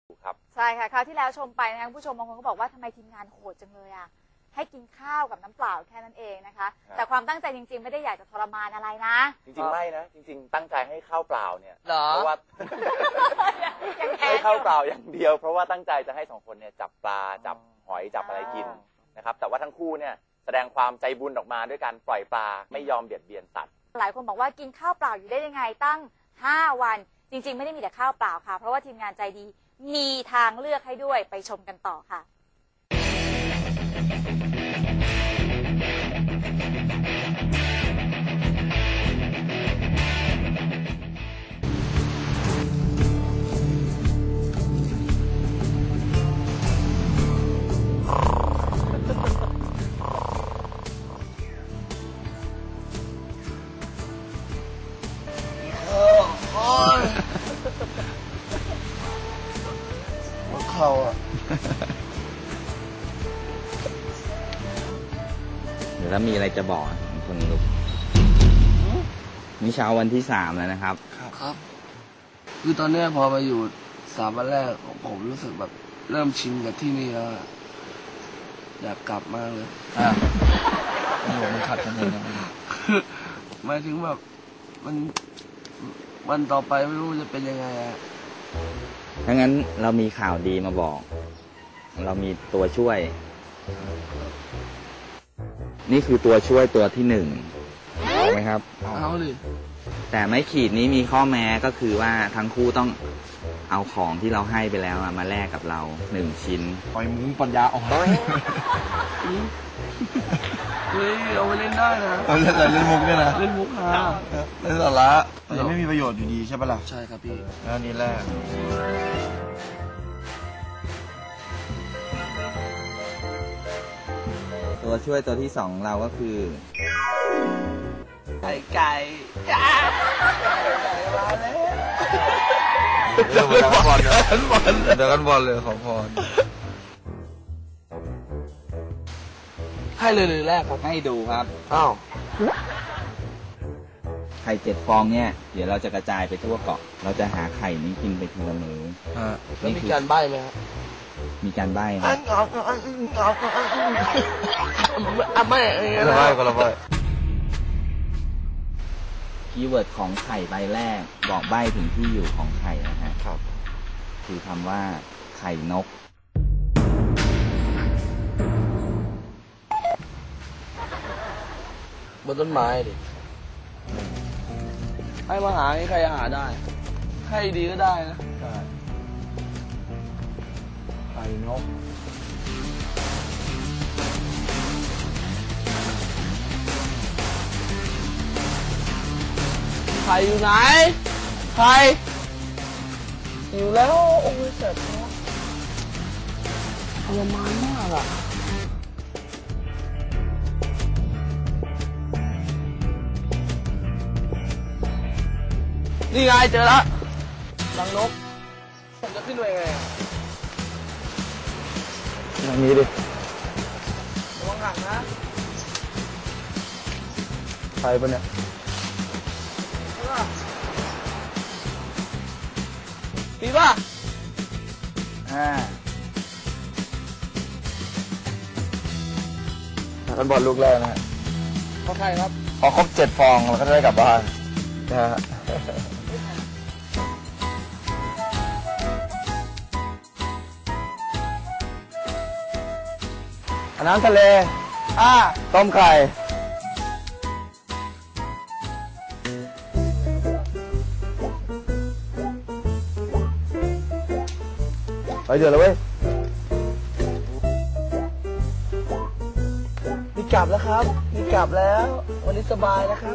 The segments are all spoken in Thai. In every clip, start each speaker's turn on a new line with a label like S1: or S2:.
S1: ครับ
S2: ใช่ค่ะคราวที่แล้วชมไปนะคะผู้ชมบางคนก็บอกว่าทำไมทีมงานโหดจังเลยอ่ะให้กินข้าวกับน้ำเปล่าแค่นั้นเองนะคะแต่ความตั้งใจจริงๆไม่ได้อยากจะทรมานอะไรนะ
S1: จริงๆไม่นะจริงๆตั้งใจให้ข้าวเปล่าเนี่ย
S3: เพ
S1: ราะว่าให้ข้าวเปล่าอย่างเดียวเพราะว่าตั้งใจจะให้2 คนเนี่ยจับปลาจับหอยจับอะไรกินนะครับแต่ว่าทั้งคู่เนี่ยแสดงความใจบุญออกมาด้วยการปล่อยปลาไม่ยอมเบียดเบียนสัตว์
S2: หลายคนบอกว่ากินข้าวเปล่าอยู่ได้ยังไงตั้ง5 วันจริงๆไม่ได้มีแต่ข้าวเปล่าค่ะเพราะว่าทีมงานใจดีมีทางเลือกให้ด้วยไปชมกันต่อค่ะ
S3: เขาอ่ะ
S4: เดี๋ยวถ้ามีอะไรจะบอกคุณลูกนี่เช้าวันที่3แล้วนะครับ
S3: ครับคือตอนนี้พอมาอยู่3 วันแรกผมรู้สึกแบบเริ่มชินกับที่นี่แล้วอยากกลับมากเลย
S4: โอ้โหมันขัดกันเลยนะ
S3: หมายถึงแบบวันต่อไปไม่รู้จะเป็นยังไงอ่ะ
S4: ถ้างั้นเรามีข่าวดีมาบอก เรามีตัวช่วย นี่คือตัวช่วยตัวที่1เอาไหมครับ
S3: เอาดิ
S4: แต่ไม้ขีดนี้มีข้อแม้ก็คือว่าทั้งคู่ต้องเอาของที่เราให้ไปแล้วมาแลกกับเรา1 ชิ้น
S3: ปล่อยมุ้งปัญญาออกเฮ้ยเอาไปเล่นได้นะ
S5: เล่นมุกเนี่ยนะ
S3: เล่นมุกค่ะ
S5: เล่นสาระแต่ไม่มีประโยชน์อยู่ดีใช่ปะล่ะ
S3: ใช่ครับพี่
S5: แล้วนี่แรก
S4: ตัวช่วยตัวที่2เราก็คือ
S3: ไก่มาแล้ว
S5: เดี๋ยวกันบอลเลยขอพร
S3: ให้เลยแรกครับ
S4: ให้ดูครับ
S3: อ้าว
S4: ไข่7 ฟองเนี่ยเดี๋ยวเราจะกระจายไปทั่วเกาะเราจะหาไข่นี้กินไปทีละมื้อ
S3: แล้วมีการใบ้ไหมครับ
S4: มีการใบ้ครับ
S3: ไม่
S5: ก็ละใบ้
S4: คีย์เวิร์ดของไข่ใบแรกบอกใบ้ถึงที่อยู่ของไข่นะฮะ
S5: ครับ
S4: คือคำว่าไข่นก
S3: บนต้นไม้ดิให้มาหาใครหาได้ให้ดีก็ได้นะ
S5: ไข่นก
S3: ไข่อยู่ไหนไข่อยู่แล้วโอ้ยเสร็จแล้วทรมานมากอ่ะนี่ไงเจอแล้วรังนกผมจะขึ้นไปไง
S5: อย่างนี้ดิ
S3: ระวังห่างนะ
S5: ใครปะเนี่ย
S3: ปีป่ะ
S5: กันบอลลูกแรกนะฮะ
S3: เขาใครครับ
S5: พอครบ7 ฟองเราก็จะได้กลับบ้านนะฮะน้ำทะเลต้มไข่ไปเดือดแล้วเว้ย
S3: มีกลับแล้วครับมีกลับแล้ววันนี้สบายนะครับ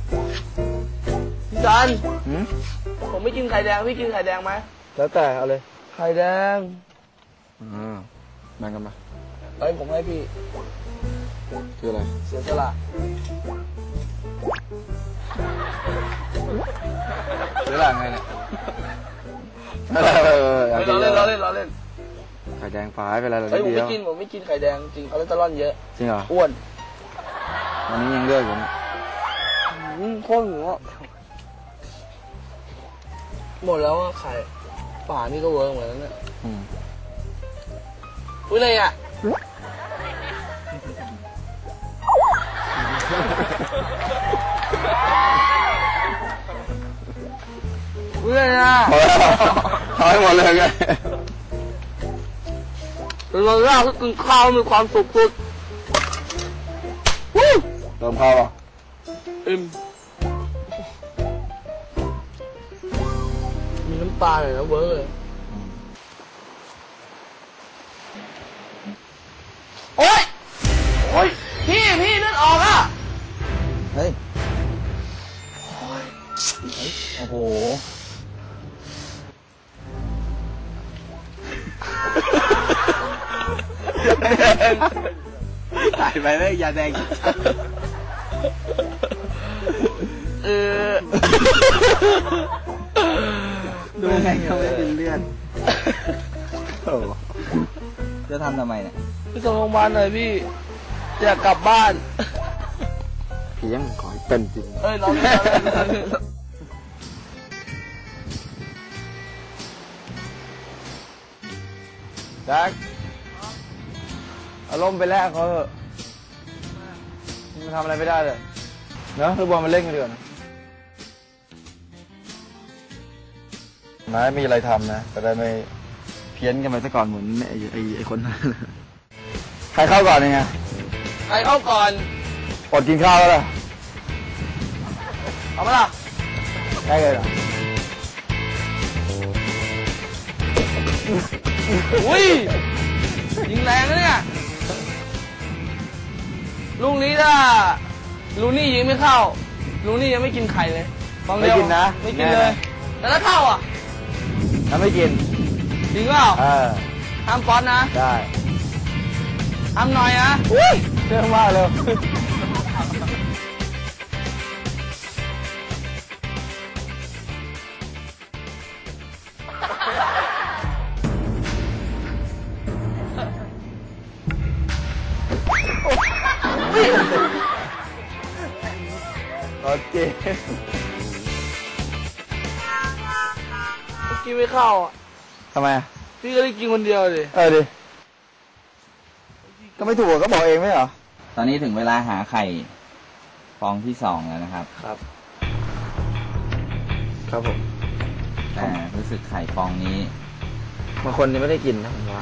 S3: พี่จันผมไม่กินไข่แดงพี่กินไข่แดงไหม
S5: แล้วแต่เอาเลย
S3: ไข่แดง
S5: แบ่งกันมา
S3: ผมให้พี่
S5: คืออะไร
S3: เสียสละ
S5: เสียสละไงเนี่ย
S3: เราเล่น
S5: ไข่แดงฟ้าไปแล้ว
S3: ผมไม่กินไข่แดงจริงคอเลสเตอรอลเยอะ
S5: จริงเหรอ
S3: อ้วน
S5: วันนี้ยังเลือกอยู่นะ
S3: โคตรหัวหมดแล้วไข่ป่านี่ก็เวิร์กเหมือนกันเนี่ย
S5: ผ
S3: อุ้ยอะไรอ่ะอุ้ยอะไรอ่ะ
S5: เอาให้หมดเลยไง
S3: เราเล่าให้กินข้าวมีความสุขสุด
S5: เติมข้าวป่ะ
S3: อิ่มมีน้ำปลาหน่อยนะเวิร์กเลยโอ๊ยโอ๊ยพี่เลือดออกอ่ะ
S4: เฮ้ย โอ้โห ถ่ายไปเลยอย่าแดงดูไงเขาไม่เป็นเลือดจะทำทำไมเนี่ย
S3: พี่ส่งโรงพยาบาลหน่อยพี่อยากกลับบ้าน
S5: พี่ยังขอให้เป็นจริง
S3: เอ้ยเราเล่น
S5: แจ็คอารมณ์ไปแลกเขาเถอะมันทำอะไรไม่ได้เลยเนอะลูกบอลมาเล่นกันดีกว่านะนายไม่มีอะไรทำนะจะได้ไม่เพี้ยนกันไปซะก่อนเหมือนไอ้คนนั้นใครเข้าก่อนเนี่ย
S3: ใครเข้าก่อน
S5: อดกินข้าวแล้วล่ะ
S3: เอามาล่ะ
S5: ได้เลยเหรอ
S3: อุ้ยยิงแรงนะเนี่ยลูกนี้ถ้าลูนี่ยิงไม่เข้าลูนี่ยังไม่กินไข่เลยฟองเดียว
S5: ไม่กินนะ
S3: ไม่กินเลย แต่ถ้าเข้าอ่ะ
S5: ถ้าไม่กิน
S3: จริงเปล่า ห้ามป๊อตนะ
S5: ได้
S3: ห้ามหน่อยนะ
S5: เรื่องมากเลยโอเค
S3: กินไม่เข้าอ่ะ
S5: ทำไมอะ
S3: พี่ก็ได้กินคนเดียวดิ
S5: ดิ ก็ไม่ถูกก็บอกเองไม่เหรอ
S4: ตอนนี้ถึงเวลาหาไข่ฟองที่ 2 แล้วนะครับ
S5: ครับ ครับผม
S4: แต่รู้สึกไข่ฟองนี้
S5: บางคนยังไม่ได้กินนะผมว่า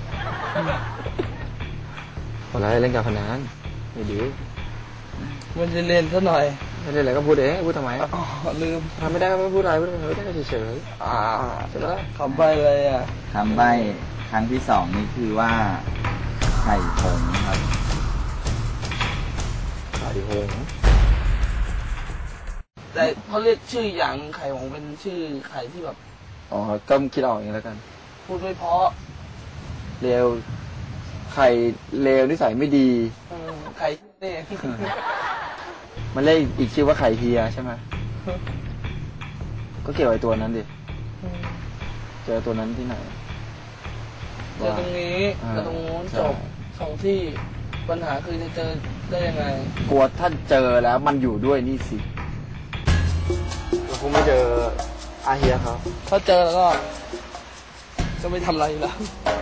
S5: คนร้ายเล่นการพนันไม่ดี
S3: มันจะเล่นซะหน่อย
S5: ไม่ได้อะไรก็พูดเองพูดทำไม
S3: อ๋อลืม
S5: ทำไม่ได้ก็ไม่พูดอะไรพูดไม่ได้ก็เฉยๆใช่ไหม
S3: คำใบเลยอ่ะ
S4: คำใบ้ครั้งที่ 2 นี่คือว่า ไข่ผงครับ
S5: ข่าวดีโหง
S3: แต่เขาเรียกชื่ออย่างไข่ของเป็นชื่อไข่ที่แบบ
S5: อ๋อก็คิดออกเองแล้วกัน
S3: พูดไม่เพราะ
S5: เลวไข่เลวนิสัยไม่ดี
S3: ไข่นี่
S5: มันเรียกอีกชื่อว่าไข่เฮียใช่ไหมก็เกี่ยวกับไอ้ตัวนั้นดิเจอตัวนั้นที่ไหน
S3: เจอตรงนี้
S5: อ่า
S3: กับตรงนู้น
S5: ใช่
S3: จบสองที่ปัญหาคือจะเจอได้ยังไง
S5: กลัวถ้าเจอแล้วมันอยู่ด้วยนี่สิเราคงไม่เจออาเฮียเขา
S3: ถ้าเจอแล้วก็จะไม่ทำอะไรอยู่แล้ว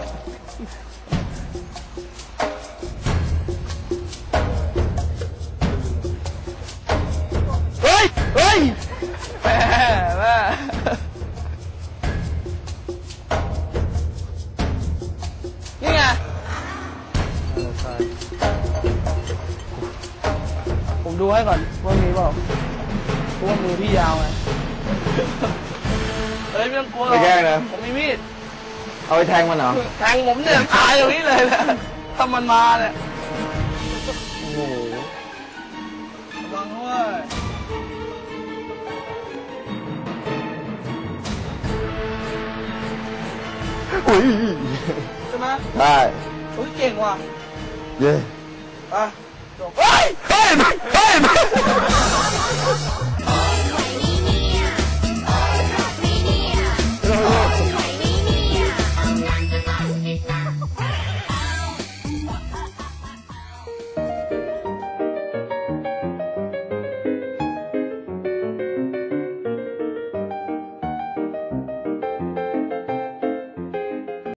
S5: เฮ้ยเฮ้ย
S3: แม่นี่ไงผมดูให้ก่อนว่ามีเปล่าเพราะว่ามือพี่ยาวไงเฮ้ยไม่ต้องกลัวหรอก
S5: ไม่แกล้งนะ
S3: ผมมีมีด
S5: เอาไปแทงมันเหรอ
S3: แทงผมเนี่ยตายอย่างนี้เลยนะถ้ามันมาเนี่ย
S5: โอ้โห
S3: ระวังด้วย
S5: อุ้ย
S3: ใช่ไหม
S5: ได้
S3: โอ้ยเก่งว่ะ
S5: เย้
S3: อ่ะจบ
S5: เฮ้ยเฮ้ยเฮ้ย